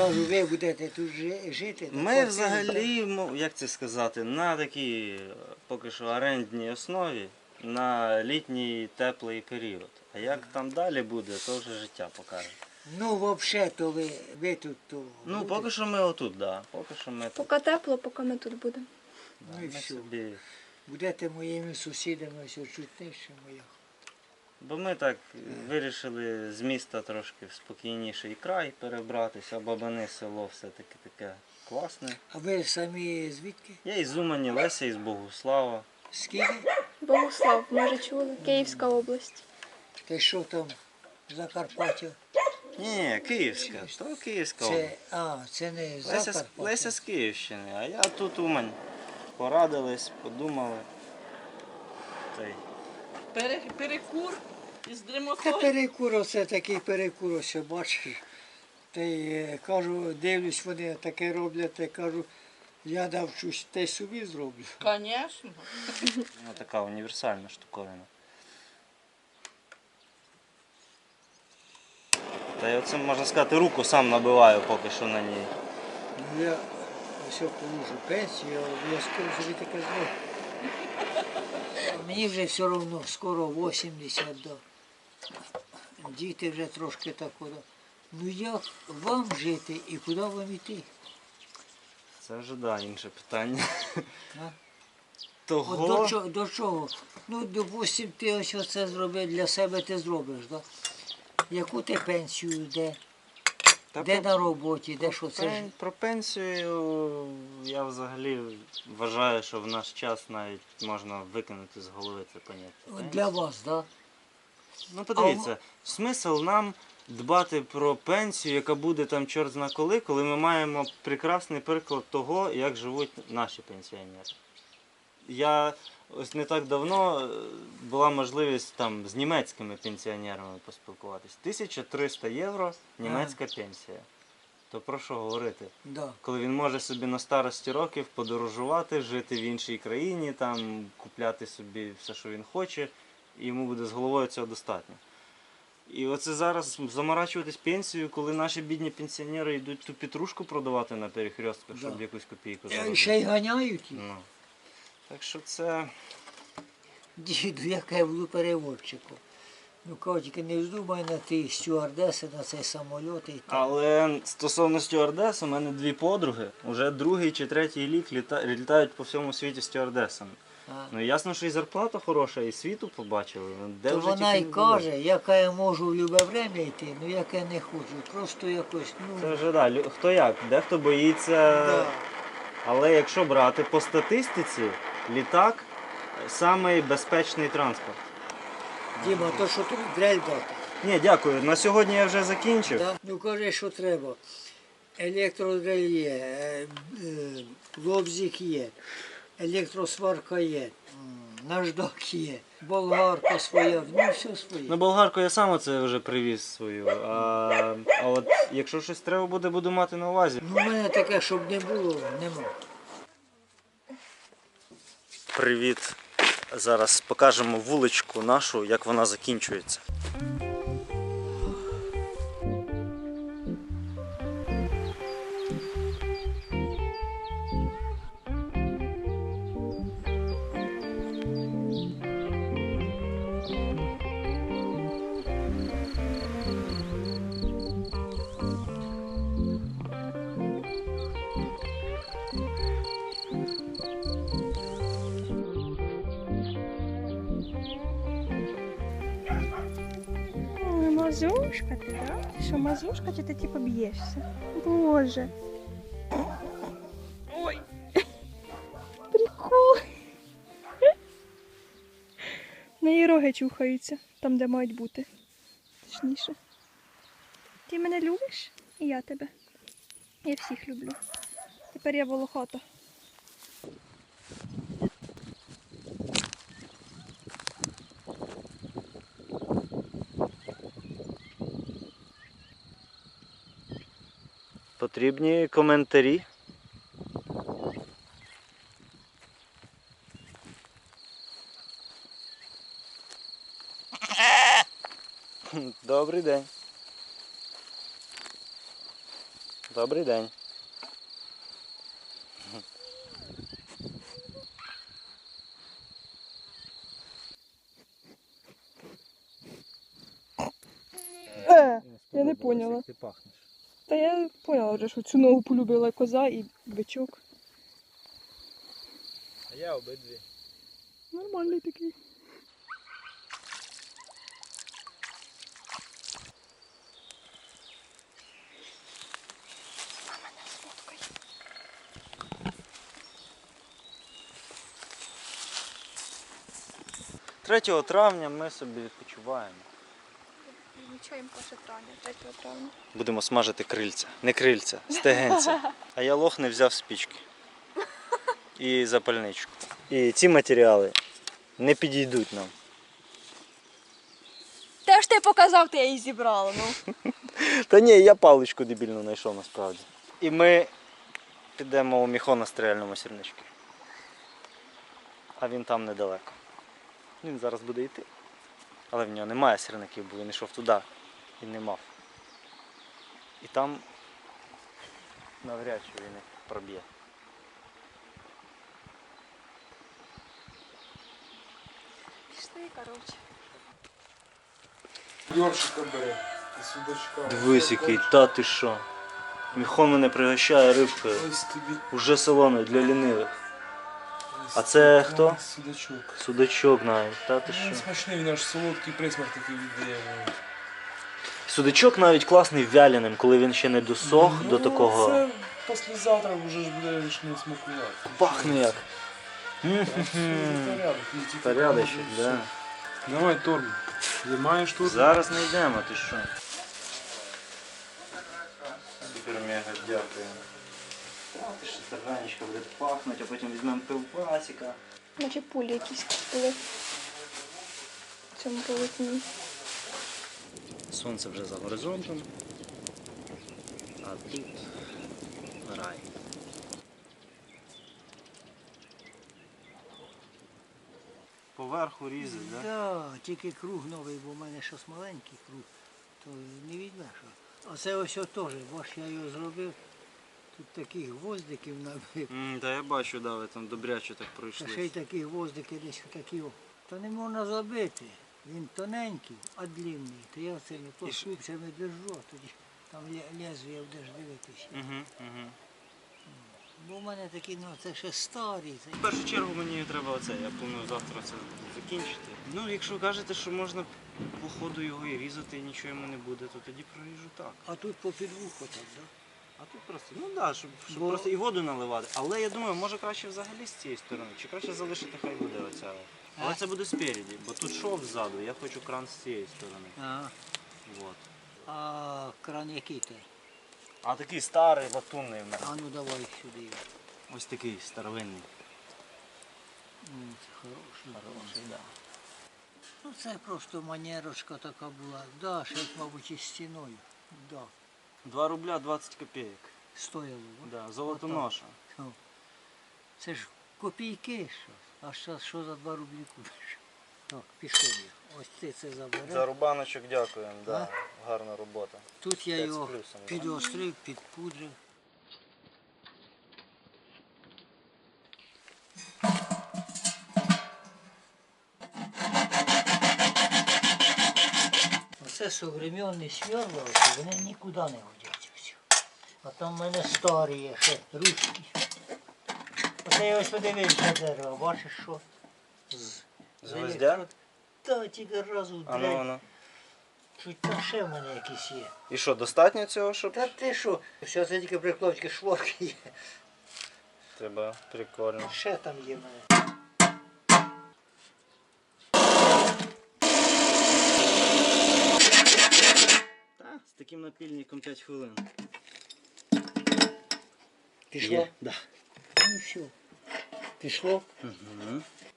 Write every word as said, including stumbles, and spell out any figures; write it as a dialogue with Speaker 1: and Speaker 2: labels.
Speaker 1: кажу, ви будете тут жити?
Speaker 2: Ми взагалі, як це сказати, на такій поки що орендній основі на літній теплий період. А як там далі буде, то вже життя покаже.
Speaker 1: Ну, взагалі, то ви, ви тут... То
Speaker 2: ну,
Speaker 1: будете?
Speaker 2: поки що ми отут, так. Да. Поки що ми тут.
Speaker 3: Поки тепло, поки ми тут будемо.
Speaker 1: Ну
Speaker 2: Да,
Speaker 1: і
Speaker 2: ми
Speaker 1: все.
Speaker 2: собі...
Speaker 1: Будете моїми сусідами, все чуть нижче моя.
Speaker 2: Бо ми так вирішили з міста трошки в спокійніший край перебратися, Бабани село все-таки таке класне.
Speaker 1: А ви самі звідки?
Speaker 2: Я із Умані, Леся із Богуслава.
Speaker 1: Скільки?
Speaker 3: Богуслав, може чули? Київська область.
Speaker 1: Ти що там, Закарпаття?
Speaker 2: Ні, Київська, то Київська
Speaker 1: Це,
Speaker 2: область.
Speaker 1: а, це не
Speaker 2: Леся, з-
Speaker 1: Закарпаття.
Speaker 2: Леся з Київщини, а я тут Умань. Порадились, подумали. Та й
Speaker 4: Пере, перекур із
Speaker 1: Та
Speaker 4: дремотою.
Speaker 1: перекур, оце такий перекур, ось бачиш. Та й е, кажу, дивлюсь, вони таке роблять, та й кажу, я навчусь, та й собі зроблю.
Speaker 4: Звісно.
Speaker 2: ну, така універсальна штуковина. Та я оце, можна сказати, руку сам набиваю поки що на ній.
Speaker 1: Ну, я ось положу пенсію, я обов'язково собі таке зроблю. А мені вже все одно скоро вісімдесят, да. Діти вже трошки так куди. Ну як вам жити і куди вам йти?
Speaker 2: Це вже да, інше питання.
Speaker 1: А?
Speaker 2: Того...
Speaker 1: От до чого, до чого? Ну, допустим, ти ось оце зробив, для себе ти зробиш, да? Яку ти пенсію, де?
Speaker 2: Та
Speaker 1: Де
Speaker 2: про-
Speaker 1: на роботі, де що це ж?
Speaker 2: Пен- Про пенсію я взагалі вважаю, що в наш час навіть можна викинути з голови це поняття.
Speaker 1: От
Speaker 2: пенсії.
Speaker 1: для вас, да?
Speaker 2: Ну подивіться, смисл нам дбати про пенсію, яка буде там чорт зна коли, коли ми маємо прекрасний приклад того, як живуть наші пенсіонери. Я ось не так давно е, була можливість там з німецькими пенсіонерами поспілкуватись. тисяча триста євро німецька пенсія. То про що говорити?
Speaker 1: Да.
Speaker 2: Коли він може собі на старості років подорожувати, жити в іншій країні, там купляти собі все, що він хоче, і йому буде з головою цього достатньо. І оце зараз заморачуватись пенсією, коли наші бідні пенсіонери йдуть ту петрушку продавати на перехрестках, щоб
Speaker 1: Да.
Speaker 2: якусь копійку
Speaker 1: Е,
Speaker 2: заробити.
Speaker 1: Ще й ганяють їх.
Speaker 2: Ну. Так що це...
Speaker 1: Діду, яке я буду переводчиком. Ну, кажуть, тільки не вздумай на ті стюардеси, на цей самоліт і так.
Speaker 2: Але стосовно стюардес, у мене дві подруги, вже другий чи третій рік літа... літають по всьому світі стюардесами.
Speaker 1: А.
Speaker 2: Ну ясно, що і зарплата хороша, і світу побачили. Ну, де
Speaker 1: То
Speaker 2: вже
Speaker 1: вона
Speaker 2: тільки
Speaker 1: й
Speaker 2: не було.
Speaker 1: каже, яка я можу в любе время йти, ну як я не хочу. Просто якось, ну,
Speaker 2: Це вже да, лю- хто як, дехто боїться.
Speaker 1: да.
Speaker 2: Але якщо брати по статистиці, літак самий безпечний транспорт.
Speaker 1: Діма, то що тобі дрель дати?
Speaker 2: Ні, дякую. На сьогодні я вже закінчив.
Speaker 1: Да? Ну кажи, що треба. Електродрель є, е, е, лобзик є, електросварка є, м, наждак є, болгарка своя, ну все своє.
Speaker 2: На болгарку я сам оце вже привіз свою. А, а от якщо щось треба буде, буду мати на увазі.
Speaker 1: Ну, в мене таке, щоб не було, нема.
Speaker 2: Привіт. Зараз покажемо вуличку нашу, як вона закінчується.
Speaker 5: Ой, мазушка ти, да? Ти що, мазушка, чи ти типу б'єшся? Боже. Ой. Прикол. На її роги чухаються, там, де мають бути. Точніше. Ти мене любиш? І я тебе. Я всіх люблю. Тепер я волохата.
Speaker 2: Потрібні коментарі. Добрий день. Добрий день.
Speaker 5: Е, я не поняла.
Speaker 2: Ти пахнеш.
Speaker 5: Та я поняла вже, що цю ногу полюбила коза і бичок.
Speaker 2: А я обидві.
Speaker 5: Нормальний такий.
Speaker 2: третього травня ми собі відпочиваємо.
Speaker 3: Відмічаємо перше травня, третього травня.
Speaker 2: Будемо смажити крильця. Не крильця, стегенця. А я лох не взяв спічки. І запальничку. І ці матеріали не підійдуть нам.
Speaker 3: Те ж ти показав, ти я її зібрала, ну.
Speaker 2: Та ні, я паличку дебільну знайшов насправді. І ми підемо у міхоно-стрільному сірничку. А він там недалеко. Він зараз буде йти. Але в нього немає сірників, бо він йшов туди і не мав. І там навряд чи він їх проб'є.
Speaker 3: Пішли, коротше.
Speaker 6: Йоршика бери, і судачка.
Speaker 2: Дивись, який, та ти що. Міхон мене пригощає рибкою.
Speaker 6: Ось тобі.
Speaker 2: Уже солоною для лінивих.
Speaker 6: ось
Speaker 2: А це
Speaker 6: тобі
Speaker 2: хто?
Speaker 6: Судачок.
Speaker 2: Судачок навіть, та ти
Speaker 6: Він
Speaker 2: що.
Speaker 6: смачний, він аж солодкий присмак такий віддає.
Speaker 2: Судачок навіть класний вяляним, коли він ще не досох
Speaker 6: Ну,
Speaker 2: до такого.
Speaker 6: Це післязавтра вже ж буде ж не смакувати.
Speaker 2: Пахне як.
Speaker 6: Це порядок, і тільки
Speaker 2: Порядочок,
Speaker 6: положиш,
Speaker 2: да.
Speaker 6: все. Давай торм. Ти маєш торм?
Speaker 2: Зараз не йдемо, ти що? Супер мега дякую. Ти ще тарганечка буде пахнути, а потім візьмемо пивасика.
Speaker 3: Наче пулі якісь були в цьому полотні.
Speaker 2: Сонце вже за горизонтом, а тут рай. Поверху різать, так? Да?
Speaker 1: Да, тільки круг новий, бо в мене щось маленький круг, то не видно, що. А це ось теж, бо ж я його зробив. Тут таких гвоздиків набив.
Speaker 2: Mm, та я бачу, да, ви там добряче так
Speaker 1: Та
Speaker 2: пройшли.
Speaker 1: ще й такі гвоздики десь такі. о. То не можна забити. Він тоненький, а длинний. То я цими плоскупцями держу, а тоді там лє- лезвія будеш дивитися.
Speaker 2: Угу, угу.
Speaker 1: Бо в мене такі, ну це ще старі. Це...
Speaker 2: В першу чергу мені треба оце, я планую завтра це закінчити. Ну, якщо кажете, що можна по ходу його і різати, і нічого йому не буде, то тоді проріжу так.
Speaker 1: А тут по підвуху так, так?
Speaker 2: А тут просто, ну так, да, щоб, щоб
Speaker 1: Бо-
Speaker 2: просто і воду наливати. Але я думаю, може краще взагалі з цієї сторони, чи краще залишити, хай буде оця. Але
Speaker 1: А?
Speaker 2: це буде спереді, бо тут шов ззаду, я хочу кран з цієї сторони.
Speaker 1: Ага.
Speaker 2: Вот.
Speaker 1: А кран який той?
Speaker 2: А такий старий, латунний в мене.
Speaker 1: А ну давай сюди. його.
Speaker 2: Ось такий старовинний.
Speaker 1: М, Це хороший.
Speaker 2: Хороший, да.
Speaker 1: Ну це просто манерочка така була. Да, ще, мабуть, із стіною. Да.
Speaker 2: два рубля двадцять копійок.
Speaker 1: Стояло. о.
Speaker 2: Да, золотоноша.
Speaker 1: О. Це ж копійки що. А що, що за два рублі купиш? Так, пішов я. Ось ти це забереш.
Speaker 2: За рубаночок дякуємо, да. Гарна робота.
Speaker 1: Тут я
Speaker 2: п'ять з
Speaker 1: його
Speaker 2: плюсом, да.
Speaker 1: підострив, підпудрив. Оце современні сверла, оці, вони нікуди не годяться. всі. А там в мене старі є, ще русські. Оце я ось подивився дерево, бачиш що? З,
Speaker 2: З гвоздя?
Speaker 1: Та тільки разу
Speaker 2: А ну,
Speaker 1: дрень.
Speaker 2: ану.
Speaker 1: Чуть там ще в мене якісь є.
Speaker 2: І що, достатньо цього, щоб
Speaker 1: Та ти що? Все це тільки прикловські шворки є.
Speaker 2: треба прикольно.
Speaker 1: Ще там є в мене.
Speaker 2: Та, з таким напільником п'ять хвилин.
Speaker 1: Пішло?
Speaker 2: Є, да.
Speaker 1: Ну все. Пішло?
Speaker 2: Угу.